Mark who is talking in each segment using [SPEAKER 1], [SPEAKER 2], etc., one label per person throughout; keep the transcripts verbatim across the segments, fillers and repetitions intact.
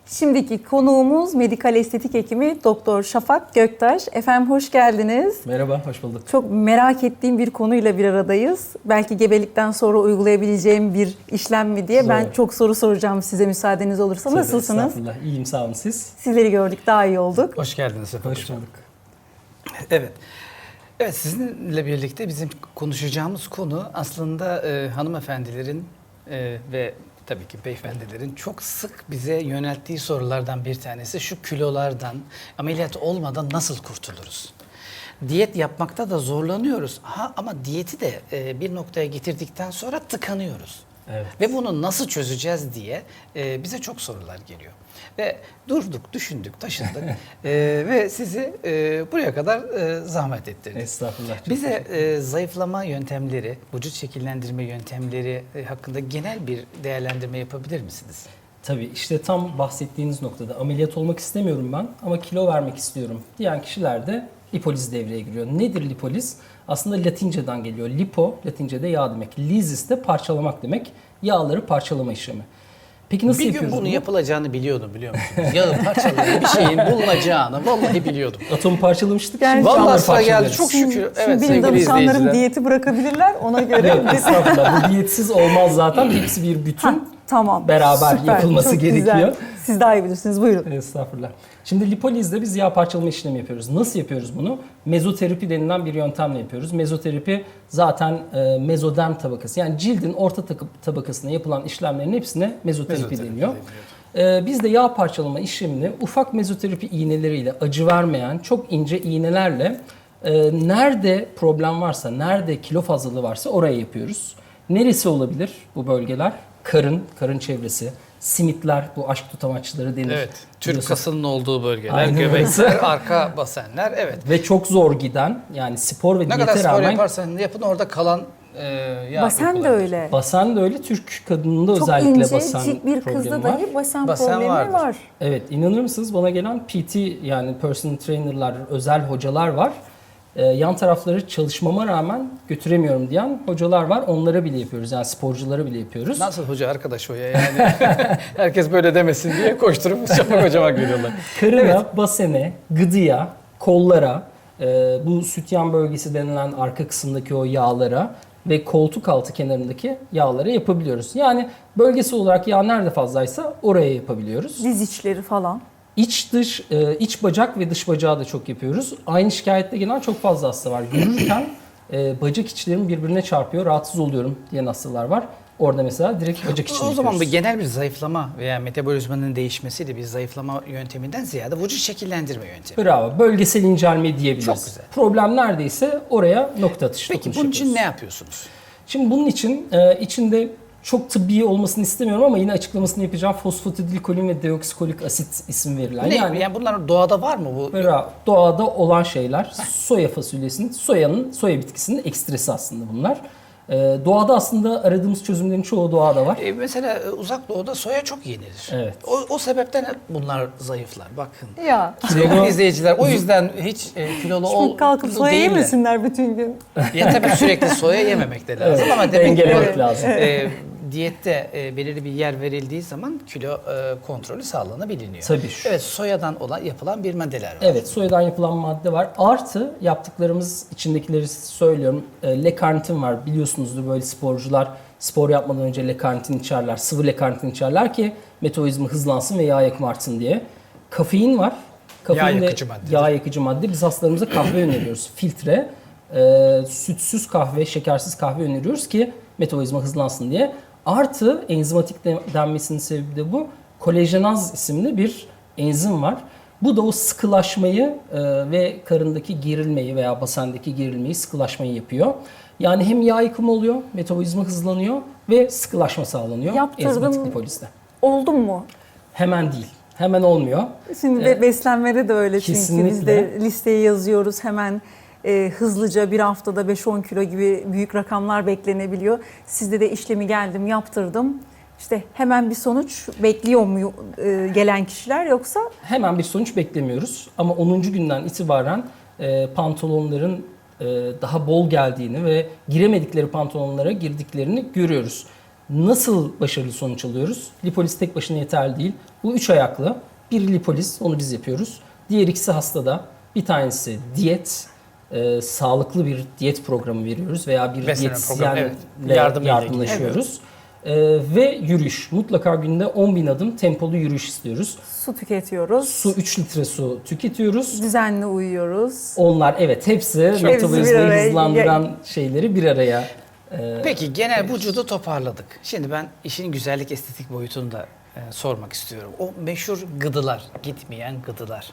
[SPEAKER 1] Şimdiki konuğumuz medikal estetik hekimi Doktor Şafak Göktaş. Efendim hoş geldiniz.
[SPEAKER 2] Merhaba, hoş bulduk.
[SPEAKER 1] Çok merak ettiğim bir konuyla bir aradayız. Belki gebelikten sonra uygulayabileceğim bir işlem mi diye.
[SPEAKER 2] Zor.
[SPEAKER 1] Ben çok soru soracağım size müsaadeniz olursa.
[SPEAKER 2] Tabii,
[SPEAKER 1] Nasılsınız?
[SPEAKER 2] Estağfurullah, iyiyim sağ olun siz.
[SPEAKER 1] Sizleri gördük, daha iyi olduk.
[SPEAKER 3] Hoş geldiniz efendim.
[SPEAKER 2] Hoş bulduk.
[SPEAKER 3] Evet. Evet, sizinle birlikte bizim konuşacağımız konu aslında e, hanımefendilerin e, ve tabii ki beyefendilerin çok sık bize yönelttiği sorulardan bir tanesi şu: kilolardan ameliyat olmadan nasıl kurtuluruz? Diyet yapmakta da zorlanıyoruz. Ha, ama diyeti de e, bir noktaya getirdikten sonra tıkanıyoruz.
[SPEAKER 2] Evet.
[SPEAKER 3] Ve bunu nasıl çözeceğiz diye e, bize çok sorular geliyor. Ve durduk, düşündük, taşındık e, ve sizi e, buraya kadar e, zahmet ettirdik.
[SPEAKER 2] Estağfurullah. çok
[SPEAKER 3] Bize
[SPEAKER 2] teşekkür ederim.
[SPEAKER 3] e, zayıflama yöntemleri, vücut şekillendirme yöntemleri e, hakkında genel bir değerlendirme yapabilir misiniz?
[SPEAKER 2] Tabii işte tam bahsettiğiniz noktada ameliyat olmak istemiyorum ben ama kilo vermek istiyorum diyen kişilerde lipoliz devreye giriyor. Nedir lipoliz? Aslında Latinceden geliyor. Lipo, Latince'de yağ demek. Lysis de parçalamak demek. Yağları parçalama işlemi. Peki nasıl
[SPEAKER 3] bir gün
[SPEAKER 2] yapıyoruz
[SPEAKER 3] bunu
[SPEAKER 2] bunu?
[SPEAKER 3] yapılacağını biliyordum, biliyor musunuz? Yağı parçalayan bir şeyin bulunacağını vallahi biliyordum.
[SPEAKER 2] Atomu parçalamıştık.
[SPEAKER 1] Yani-
[SPEAKER 2] şimdi
[SPEAKER 3] Vallahi
[SPEAKER 2] yağları
[SPEAKER 3] sıra geldi.
[SPEAKER 2] parçalarız.
[SPEAKER 3] Çok şükür.
[SPEAKER 1] Şimdi
[SPEAKER 3] Evet,
[SPEAKER 1] benim
[SPEAKER 3] sevgili
[SPEAKER 1] danışanlarım
[SPEAKER 3] izleyiciler.
[SPEAKER 1] diyeti bırakabilirler. Ona göre
[SPEAKER 2] Yok, estağfurullah. Bu diyetsiz olmaz zaten. Hepsi bir bütün.
[SPEAKER 1] Ha, tamam.
[SPEAKER 2] Beraber
[SPEAKER 1] Süper,
[SPEAKER 2] yapılması
[SPEAKER 1] çok
[SPEAKER 2] gerekiyor.
[SPEAKER 1] güzel. Siz daha iyi bilirsiniz. Buyurun.
[SPEAKER 2] Estağfurullah. Şimdi lipolizde biz yağ parçalama işlemi yapıyoruz. Nasıl yapıyoruz bunu? Mezoterapi denilen bir yöntemle yapıyoruz. Mezoterapi zaten e, mezoderm tabakası, yani cildin orta tabakasına yapılan işlemlerin hepsine mezoterapi,
[SPEAKER 3] Mezoterapi
[SPEAKER 2] deniyor.
[SPEAKER 3] deniyor.
[SPEAKER 2] E, biz de yağ parçalama işlemini ufak mezoterapi iğneleriyle, acı vermeyen çok ince iğnelerle e, nerede problem varsa, nerede kilo fazlalığı varsa oraya yapıyoruz. Neresi olabilir bu bölgeler? Karın, karın çevresi, simitler, bu aşk tutamaçları denir.
[SPEAKER 3] Evet, Türk
[SPEAKER 2] Biliyorsun.
[SPEAKER 3] kasının olduğu bölgeler,
[SPEAKER 2] Aynen öyle.
[SPEAKER 3] göbekler, arka basenler, evet.
[SPEAKER 2] Ve çok zor giden, yani spor ve
[SPEAKER 3] Ne
[SPEAKER 2] diyete
[SPEAKER 3] kadar spor
[SPEAKER 2] rağmen
[SPEAKER 3] yaparsan yapın, orada kalan e, yağ
[SPEAKER 1] Basen de
[SPEAKER 3] yapıları.
[SPEAKER 1] öyle.
[SPEAKER 2] basen de öyle. Türk kadınında
[SPEAKER 1] Çok
[SPEAKER 2] özellikle
[SPEAKER 1] ince,
[SPEAKER 2] basen
[SPEAKER 1] cik bir
[SPEAKER 2] problemi
[SPEAKER 1] kızda
[SPEAKER 2] var.
[SPEAKER 1] dahi basen,
[SPEAKER 3] Basen
[SPEAKER 1] problemi
[SPEAKER 3] vardır.
[SPEAKER 1] var.
[SPEAKER 2] Evet, inanır mısınız, bana gelen P T, yani personal trainer'lar, özel hocalar var. Ee, yan tarafları çalışmama rağmen götüremiyorum diyen hocalar var. Onlara bile yapıyoruz, yani sporculara bile yapıyoruz.
[SPEAKER 3] Nasıl hoca arkadaş o ya yani? Herkes böyle demesin diye koşturup Şafak hocama geliyorlar.
[SPEAKER 2] Karına, basene, gıdıya, kollara, e, bu sütyen bölgesi denilen arka kısımdaki o yağlara ve koltuk altı kenarındaki yağlara yapabiliyoruz. Yani bölgesi olarak yağ nerede fazlaysa oraya yapabiliyoruz.
[SPEAKER 1] Diz içleri falan.
[SPEAKER 2] İç dış, e, iç bacak ve dış bacağı da çok yapıyoruz. Aynı şikayette gelen çok fazla hasta var. Yürürken e, bacak içlerim birbirine çarpıyor, rahatsız oluyorum diyen hastalar var. Orada mesela direkt bacak içini
[SPEAKER 3] O zaman bir
[SPEAKER 2] yapıyoruz.
[SPEAKER 3] genel bir zayıflama veya metabolizmanın değişmesiyle bir zayıflama yönteminden ziyade vücut şekillendirme yöntemi.
[SPEAKER 2] Bravo. Bölgesel incelme diyebiliriz.
[SPEAKER 3] Çok güzel.
[SPEAKER 2] Problem neredeyse oraya nokta atışı
[SPEAKER 3] Peki
[SPEAKER 2] dokunuş
[SPEAKER 3] bunun için
[SPEAKER 2] yapıyoruz.
[SPEAKER 3] ne yapıyorsunuz?
[SPEAKER 2] Şimdi bunun için e, içinde çok tıbbi olmasını istemiyorum ama yine açıklamasını yapacağım. Fosfatidilkolin ve deoksikolik asit isim verilen.
[SPEAKER 3] Ne?
[SPEAKER 2] Yani,
[SPEAKER 3] Yani bunlar doğada var mı bu?
[SPEAKER 2] bravo, doğada olan şeyler. Soya fasulyesinin, soyanın, soya bitkisinin ekstresi aslında bunlar. E, doğada aslında aradığımız çözümlerin çoğu doğada var.
[SPEAKER 3] E, mesela e, uzak doğuda soya çok yenilir.
[SPEAKER 2] Evet.
[SPEAKER 3] O, o sebepten hep bunlar zayıflar. Bakın.
[SPEAKER 1] Ya.
[SPEAKER 3] Sevgili izleyiciler, o yüzden hiç e, kilolu ol
[SPEAKER 1] Şimdi kalkıp
[SPEAKER 3] kilolu
[SPEAKER 1] soya
[SPEAKER 3] değiller.
[SPEAKER 1] yemesinler bütün gün.
[SPEAKER 3] Ya tabii sürekli soya yememek de lazım
[SPEAKER 2] Evet,
[SPEAKER 3] ama demek ki
[SPEAKER 2] dengelemek
[SPEAKER 3] bu,
[SPEAKER 2] lazım.
[SPEAKER 3] e, diyette e, belirli bir yer verildiği zaman kilo e, kontrolü sağlanabiliyor.
[SPEAKER 2] Tabii şu.
[SPEAKER 3] Evet, soyadan olan yapılan bir maddeler var.
[SPEAKER 2] Evet, soyadan yapılan madde var. Artı yaptıklarımız, içindekileri söylüyorum. E, L-karnitin var. Biliyorsunuzdur, böyle sporcular spor yapmadan önce L-karnitin içerler. Sıvı L-karnitin içerler ki metabolizma hızlansın ve yağ yakımı artsın diye. Kafein var. Kafein
[SPEAKER 3] Yağ
[SPEAKER 2] de
[SPEAKER 3] yakıcı maddedir.
[SPEAKER 2] Yağ yakıcı madde. Biz hastalarımıza kahve öneriyoruz. Filtre, e, sütsüz kahve, şekersiz kahve öneriyoruz ki metabolizma hızlansın diye. Artı enzimatik de- denmesinin sebebi de bu. Kolajenaz isimli bir enzim var. Bu da o sıkılaşmayı e, ve karındaki gerilmeyi veya basendeki gerilmeyi, sıkılaşmayı yapıyor. Yani hem yağ yıkımı oluyor, metabolizma hızlanıyor ve sıkılaşma sağlanıyor
[SPEAKER 1] Yaptırdım.
[SPEAKER 2] enzimatik lipolizde.
[SPEAKER 1] Oldu mu?
[SPEAKER 2] Hemen değil, hemen olmuyor.
[SPEAKER 1] Şimdi
[SPEAKER 2] Evet.
[SPEAKER 1] be- beslenmede de öyle, çünkü
[SPEAKER 2] Kesinlikle.
[SPEAKER 1] biz de listeye yazıyoruz hemen. e, hızlıca bir haftada beş on kilo gibi büyük rakamlar beklenebiliyor. Sizde de işlemi geldim, yaptırdım. İşte hemen bir sonuç bekliyor mu e, gelen kişiler, yoksa?
[SPEAKER 2] Hemen bir sonuç beklemiyoruz ama onuncu günden itibaren e, pantolonların e, daha bol geldiğini ve giremedikleri pantolonlara girdiklerini görüyoruz. Nasıl başarılı sonuç alıyoruz? Lipoliz tek başına yeterli değil. Bu üç ayaklı. Bir lipoliz, onu biz yapıyoruz. Diğer ikisi hastada. Bir tanesi diyet, e, sağlıklı bir diyet programı veriyoruz veya bir
[SPEAKER 3] Besleme
[SPEAKER 2] diyetisyenle
[SPEAKER 3] programı, evet. Yardımıyla
[SPEAKER 2] yardımlaşıyoruz. E, ve yürüyüş. Mutlaka günde on bin adım tempolu yürüyüş istiyoruz.
[SPEAKER 1] Su tüketiyoruz.
[SPEAKER 2] Su üç litre su tüketiyoruz.
[SPEAKER 1] Düzenli uyuyoruz.
[SPEAKER 2] Onlar evet hepsi
[SPEAKER 1] bir
[SPEAKER 2] metabolizmayı
[SPEAKER 1] araya-
[SPEAKER 2] hızlandıran şeyleri bir araya. e,
[SPEAKER 3] Peki genel vücudu toparladık. Şimdi ben işin güzellik estetik boyutunu da e, sormak istiyorum. O meşhur gıdılar, gitmeyen gıdılar,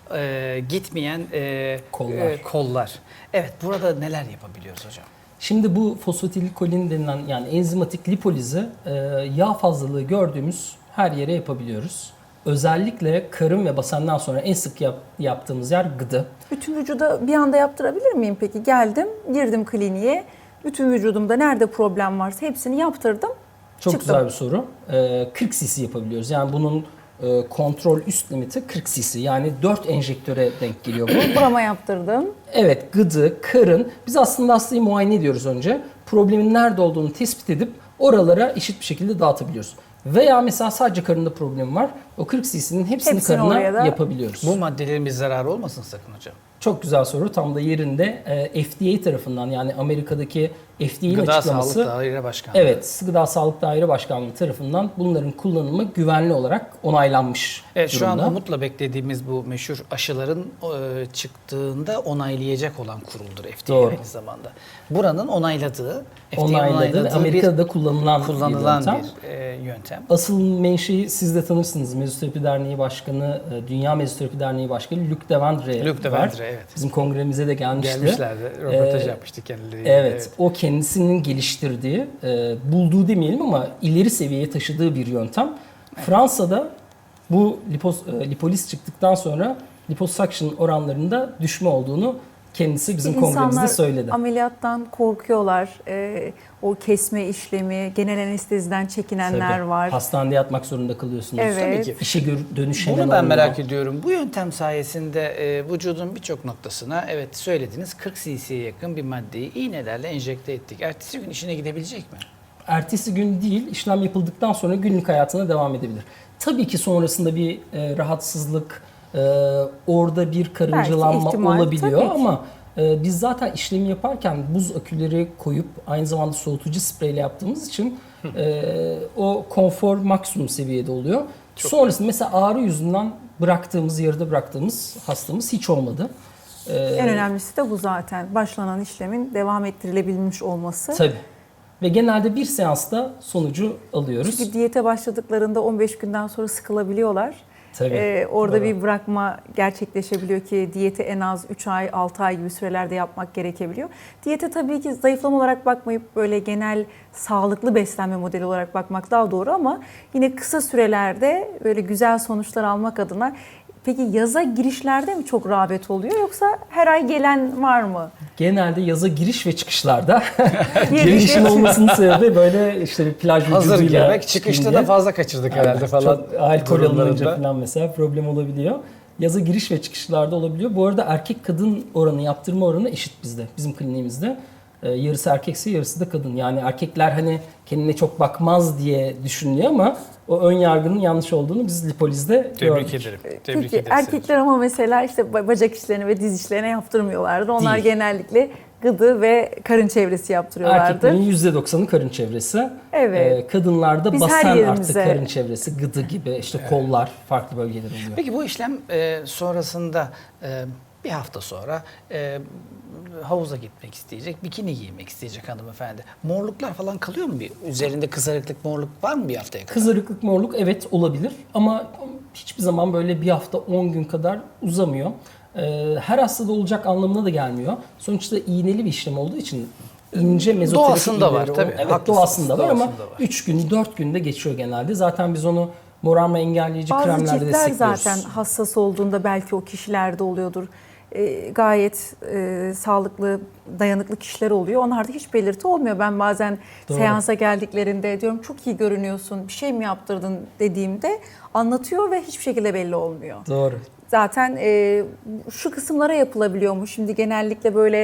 [SPEAKER 3] e, gitmeyen e,
[SPEAKER 2] Kollar.
[SPEAKER 3] e, kollar. Evet, burada neler yapabiliyoruz hocam?
[SPEAKER 2] Şimdi bu fosfatilikolin denilen yani enzimatik lipolizi e, yağ fazlalığı gördüğümüz her yere yapabiliyoruz. Özellikle karın ve basenden sonra en sık yap- yaptığımız yer gıdı.
[SPEAKER 1] Bütün vücuda bir anda yaptırabilir miyim peki? Geldim, girdim kliniğe. Bütün vücudumda nerede problem varsa hepsini yaptırdım.
[SPEAKER 2] Çok
[SPEAKER 1] çıktım.
[SPEAKER 2] güzel bir soru. E, kırk cc yapabiliyoruz. Yani bunun e, kontrol üst limiti kırk cc. Yani dört enjektöre denk geliyor bu.
[SPEAKER 1] Burama yaptırdım.
[SPEAKER 2] Evet, gıdı, karın. Biz aslında hastayı muayene ediyoruz önce. Problemin nerede olduğunu tespit edip oralara eşit bir şekilde dağıtabiliyoruz. Veya mesela sadece karında problem var. O kırk cc'nin hepsini,
[SPEAKER 1] Hepsini oraya
[SPEAKER 2] karına
[SPEAKER 1] da-
[SPEAKER 2] yapabiliyoruz.
[SPEAKER 3] Bu maddelerin bir zararı olmasın sakın hocam.
[SPEAKER 2] Çok güzel soru. Tam da yerinde e, F D A tarafından yani Amerika'daki F D A'nin
[SPEAKER 3] Gıda
[SPEAKER 2] açıklaması.
[SPEAKER 3] Sağlık Daire Başkanlığı.
[SPEAKER 2] Evet, Gıda Sağlık Daire Başkanlığı tarafından bunların kullanımı güvenli olarak onaylanmış
[SPEAKER 3] Evet, şu
[SPEAKER 2] durumda.
[SPEAKER 3] an umutla beklediğimiz bu meşhur aşıların e, çıktığında onaylayacak olan kuruldur F D A
[SPEAKER 2] Doğru.
[SPEAKER 3] aynı zamanda. Buranın onayladığı, F D A'nın
[SPEAKER 2] Onayladı ve
[SPEAKER 3] onayladığı
[SPEAKER 2] Amerika'da
[SPEAKER 3] bir
[SPEAKER 2] da kullanılan,
[SPEAKER 3] kullanılan
[SPEAKER 2] bir yöntem.
[SPEAKER 3] bir e, yöntem.
[SPEAKER 2] Asıl menşei siz de tanırsınız. Mezoterapi Derneği Başkanı, e, Dünya Mezoterapi Derneği Başkanı Luc Devendre
[SPEAKER 3] Luc
[SPEAKER 2] var.
[SPEAKER 3] Devendre, evet.
[SPEAKER 2] Bizim kongremize de gelmişti.
[SPEAKER 3] Gelmişlerdi, röportaj
[SPEAKER 2] Ee,
[SPEAKER 3] yapmıştık kendileriyle.
[SPEAKER 2] Evet, o kendisinin geliştirdiği, e, bulduğu demeyelim ama ileri seviyeye taşıdığı bir yöntem. Fransa'da bu lipos, e, lipoliz çıktıktan sonra liposuction oranlarında düşme olduğunu kendisi bizim kongremizde
[SPEAKER 1] İnsanlar
[SPEAKER 2] söyledi.
[SPEAKER 1] ameliyattan korkuyorlar. Ee, o kesme işlemi, genel anesteziden çekinenler
[SPEAKER 2] Tabii.
[SPEAKER 1] var.
[SPEAKER 2] Hastanede yatmak zorunda kalıyorsunuz.
[SPEAKER 1] Evet.
[SPEAKER 3] Tabii ki.
[SPEAKER 2] İşe gör- dönüşemem
[SPEAKER 3] Bunu ben
[SPEAKER 2] oluyor.
[SPEAKER 3] merak ediyorum. Bu yöntem sayesinde e, vücudun birçok noktasına, evet söylediniz, kırk cc'ye yakın bir maddeyi iğnelerle enjekte ettik. Ertesi gün işine gidebilecek mi?
[SPEAKER 2] Ertesi gün değil, işlem yapıldıktan sonra günlük hayatına devam edebilir. Tabii ki sonrasında bir e, rahatsızlık, e, orada bir karıncalanma
[SPEAKER 1] ihtimal,
[SPEAKER 2] olabiliyor
[SPEAKER 1] tabii ki.
[SPEAKER 2] ama e, biz zaten işlemi yaparken buz aküleri koyup aynı zamanda soğutucu spreyle yaptığımız için e, o konfor maksimum seviyede oluyor. Sonrasında mesela ağrı yüzünden bıraktığımız, yarıda bıraktığımız hastamız hiç olmadı. E,
[SPEAKER 1] En önemlisi de bu zaten. Başlanan işlemin devam ettirilebilmiş olması.
[SPEAKER 2] Tabii. Ve genelde bir seansta sonucu alıyoruz.
[SPEAKER 1] Çünkü diyete başladıklarında on beş günden sonra sıkılabiliyorlar.
[SPEAKER 2] Tabii.
[SPEAKER 1] Ee, orada
[SPEAKER 2] Doğru.
[SPEAKER 1] bir bırakma gerçekleşebiliyor ki diyeti en az üç ay, altı ay gibi sürelerde yapmak gerekebiliyor. Diyete tabii ki zayıflama olarak bakmayıp böyle genel sağlıklı beslenme modeli olarak bakmak daha doğru ama yine kısa sürelerde böyle güzel sonuçlar almak adına. Peki yaza girişlerde mi çok rağbet oluyor yoksa her ay gelen var mı?
[SPEAKER 2] Genelde yaza giriş ve çıkışlarda
[SPEAKER 1] Giriş
[SPEAKER 2] gelişin
[SPEAKER 1] ve-
[SPEAKER 2] olmasının sebebi böyle işte bir plaj
[SPEAKER 3] Hazır
[SPEAKER 2] vücuduyla
[SPEAKER 3] girmek, çıkışta
[SPEAKER 2] çıkınca-
[SPEAKER 3] da fazla kaçırdık herhalde
[SPEAKER 2] Aynen.
[SPEAKER 3] falan.
[SPEAKER 2] Çok alkol
[SPEAKER 3] durumlarında.
[SPEAKER 2] alınınca falan mesela problem olabiliyor. Yaza giriş ve çıkışlarda olabiliyor. Bu arada erkek kadın oranı, yaptırma oranı eşit bizde. Bizim kliniğimizde. Ee, yarısı erkekse yarısı da kadın. Yani erkekler hani kendine çok bakmaz diye düşünüyor ama o ön yargının yanlış olduğunu biz lipolizde
[SPEAKER 3] Tebrik
[SPEAKER 2] gördük.
[SPEAKER 3] ederim. Tebrik
[SPEAKER 1] Peki
[SPEAKER 3] ederiz.
[SPEAKER 1] erkekler ama mesela işte ba- bacak işlerine ve diz işlerine yaptırmıyorlardı. Onlar
[SPEAKER 2] Değil.
[SPEAKER 1] genellikle gıdı ve karın çevresi yaptırıyorlardı.
[SPEAKER 2] Erkeklerin yüzde doksanı karın çevresi.
[SPEAKER 1] Evet.
[SPEAKER 2] Ee, kadınlarda
[SPEAKER 1] Biz her
[SPEAKER 2] basen artı
[SPEAKER 1] yerimize-
[SPEAKER 2] karın çevresi, gıdı gibi işte kollar farklı bölgeler oluyor.
[SPEAKER 3] Peki bu işlem e, sonrasında e, bir hafta sonra e, havuza gitmek isteyecek, bikini giymek isteyecek hanımefendi. Morluklar falan kalıyor mu? Bir üzerinde kızarıklık, morluk var mı bir haftaya kadar?
[SPEAKER 2] Kızarıklık, morluk evet olabilir ama hiçbir zaman böyle bir hafta on gün kadar uzamıyor. Ee, her hastada olacak anlamına da gelmiyor. Sonuçta iğneli bir işlem olduğu için ince mezoterapi
[SPEAKER 3] Doğasında var,
[SPEAKER 2] iğneleri
[SPEAKER 3] tabii.
[SPEAKER 2] o- Evet
[SPEAKER 3] Haklısınız,
[SPEAKER 2] doğasında var ama
[SPEAKER 3] doğasında var.
[SPEAKER 2] üç gün dört günde geçiyor genelde. Zaten biz onu morarma engelleyici
[SPEAKER 1] Bazı
[SPEAKER 2] kremlerle
[SPEAKER 1] ciltler
[SPEAKER 2] destekliyoruz.
[SPEAKER 1] zaten hassas olduğunda belki o kişilerde oluyordur. Ee, gayet e, sağlıklı, dayanıklı kişiler oluyor. Onlarda hiç belirti olmuyor. Ben bazen
[SPEAKER 2] Doğru.
[SPEAKER 1] seansa geldiklerinde diyorum çok iyi görünüyorsun, bir şey mi yaptırdın dediğimde anlatıyor ve hiçbir şekilde belli olmuyor.
[SPEAKER 2] Doğru.
[SPEAKER 1] Zaten e, şu kısımlara yapılabiliyormuş. Şimdi genellikle böyle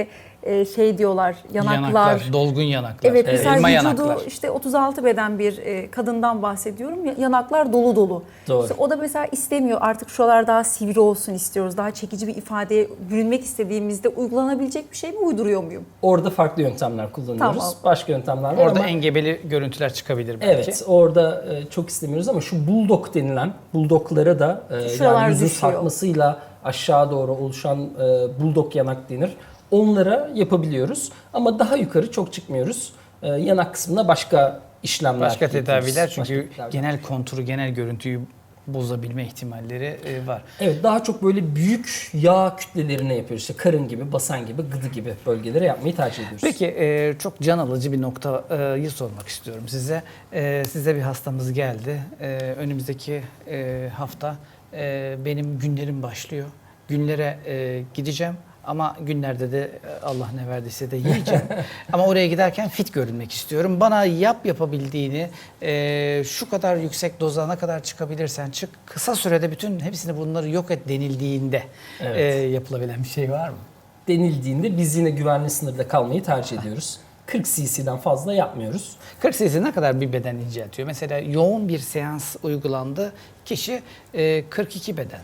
[SPEAKER 1] e, şey diyorlar, yanaklar.
[SPEAKER 3] dolgun yanaklar.
[SPEAKER 1] Evet, mesela
[SPEAKER 3] elma
[SPEAKER 1] vücudu
[SPEAKER 3] yanaklar.
[SPEAKER 1] işte otuz altı beden bir e, kadından bahsediyorum. Ya- Yanaklar dolu dolu.
[SPEAKER 2] Doğru.
[SPEAKER 1] İşte o da mesela istemiyor. Artık şuralar daha sivri olsun istiyoruz. Daha çekici bir ifadeye bürünmek istediğimizde uygulanabilecek bir şey mi, uyduruyor muyum?
[SPEAKER 2] Orada farklı yöntemler kullanıyoruz.
[SPEAKER 1] Tamam.
[SPEAKER 2] Başka yöntemler var
[SPEAKER 3] Orada
[SPEAKER 2] ama
[SPEAKER 3] engebeli görüntüler çıkabilir belki.
[SPEAKER 2] evet, orada e, çok istemiyoruz ama şu bulldog denilen, bulldoglara da e,
[SPEAKER 1] Şuralar
[SPEAKER 2] yani yüzün
[SPEAKER 1] düşüyor.
[SPEAKER 2] sarkmasıyla aşağı doğru oluşan e, bulldog yanak denir. Onlara yapabiliyoruz ama daha yukarı çok çıkmıyoruz. E, yanak kısmında başka işlemler
[SPEAKER 3] Başka
[SPEAKER 2] yapıyoruz.
[SPEAKER 3] tedaviler çünkü
[SPEAKER 2] Başka tedaviler.
[SPEAKER 3] genel konturu, genel görüntüyü bozabilme ihtimalleri e, var.
[SPEAKER 2] Evet, daha çok böyle büyük yağ kütlelerine yapıyoruz. İşte karın gibi, basen gibi, gıdı gibi bölgelere yapmayı tercih ediyoruz.
[SPEAKER 3] Peki e, çok can alıcı bir noktayı sormak istiyorum size. E, size bir hastamız geldi. E, önümüzdeki e, hafta e, benim günlerim başlıyor. Günlere e, gideceğim. Ama günlerde de e, Allah ne verdiyse de yiyeceğim. Ama oraya giderken fit görünmek istiyorum. Bana yap yapabildiğini, e, şu kadar yüksek doza ne kadar çıkabilirsen çık. Kısa sürede bütün hepsini bunları yok et denildiğinde
[SPEAKER 2] Evet.
[SPEAKER 3] e, yapılabilen bir şey var mı?
[SPEAKER 2] Denildiğinde biz yine güvenli sınırda kalmayı tercih ediyoruz. kırk cc'den fazla yapmıyoruz.
[SPEAKER 3] kırk cc ne kadar bir beden inceltiyor? Mesela yoğun bir seans uygulandı. Kişi e, kırk iki beden.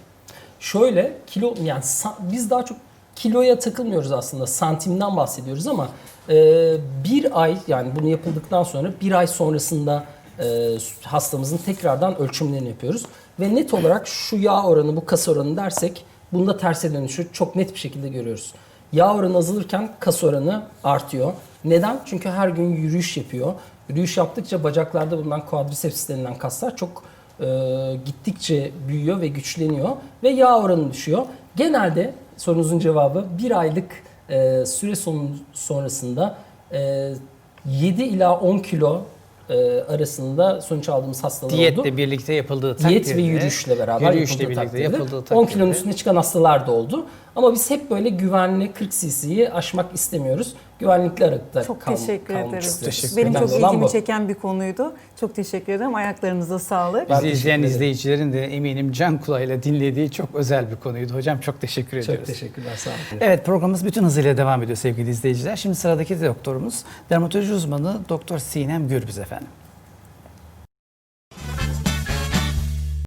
[SPEAKER 2] Şöyle kilo yani sa- biz daha çok kiloya takılmıyoruz aslında, santimden bahsediyoruz ama e, bir ay, yani bunu yapıldıktan sonra bir ay sonrasında e, hastamızın tekrardan ölçümlerini yapıyoruz ve net olarak şu yağ oranı, bu kas oranı dersek bunda terse dönüşü çok net bir şekilde görüyoruz. Yağ oranı azalırken kas oranı artıyor. Neden? Çünkü her gün yürüyüş yapıyor. Yürüyüş yaptıkça bacaklarda bulunan quadriceps denilen kaslar çok e, gittikçe büyüyor ve güçleniyor ve yağ oranı düşüyor. Genelde sorunuzun cevabı bir aylık e, süre sonu sonrasında e, yedi ila on kilo e, arasında sonuç aldığımız hastalar oldu.
[SPEAKER 3] Diyetle birlikte yapıldığı takdirde.
[SPEAKER 2] Diyet ve yürüyüşle beraber
[SPEAKER 3] yürüyüşle
[SPEAKER 2] yapıldığı
[SPEAKER 3] birlikte
[SPEAKER 2] takdirde
[SPEAKER 3] yapıldığı
[SPEAKER 2] on
[SPEAKER 3] takdirde.
[SPEAKER 2] kilonun üstüne çıkan hastalar da oldu. Ama biz hep böyle güvenli kırk cc'yi aşmak istemiyoruz. Güvenlikli aralıkta
[SPEAKER 1] Çok
[SPEAKER 2] kal-
[SPEAKER 1] teşekkür
[SPEAKER 2] kalmak
[SPEAKER 1] ederim.
[SPEAKER 2] istiyoruz.
[SPEAKER 3] Teşekkür
[SPEAKER 1] Benim
[SPEAKER 2] Önemli
[SPEAKER 1] çok
[SPEAKER 2] olan
[SPEAKER 1] ilgimi
[SPEAKER 2] bu.
[SPEAKER 1] çeken bir konuydu. Çok teşekkür ederim. Ayaklarınıza sağlık.
[SPEAKER 2] Ben
[SPEAKER 3] Bizi
[SPEAKER 2] teşekkür
[SPEAKER 3] izleyen
[SPEAKER 2] ederim.
[SPEAKER 3] izleyicilerin de eminim can kulağıyla dinlediği çok özel bir konuydu. Hocam çok teşekkür ediyoruz.
[SPEAKER 2] Çok teşekkürler, sağ olun.
[SPEAKER 3] Evet, programımız bütün hızıyla devam ediyor sevgili izleyiciler. Şimdi sıradaki doktorumuz dermatoloji uzmanı Doktor Sinem Gürbüz efendim.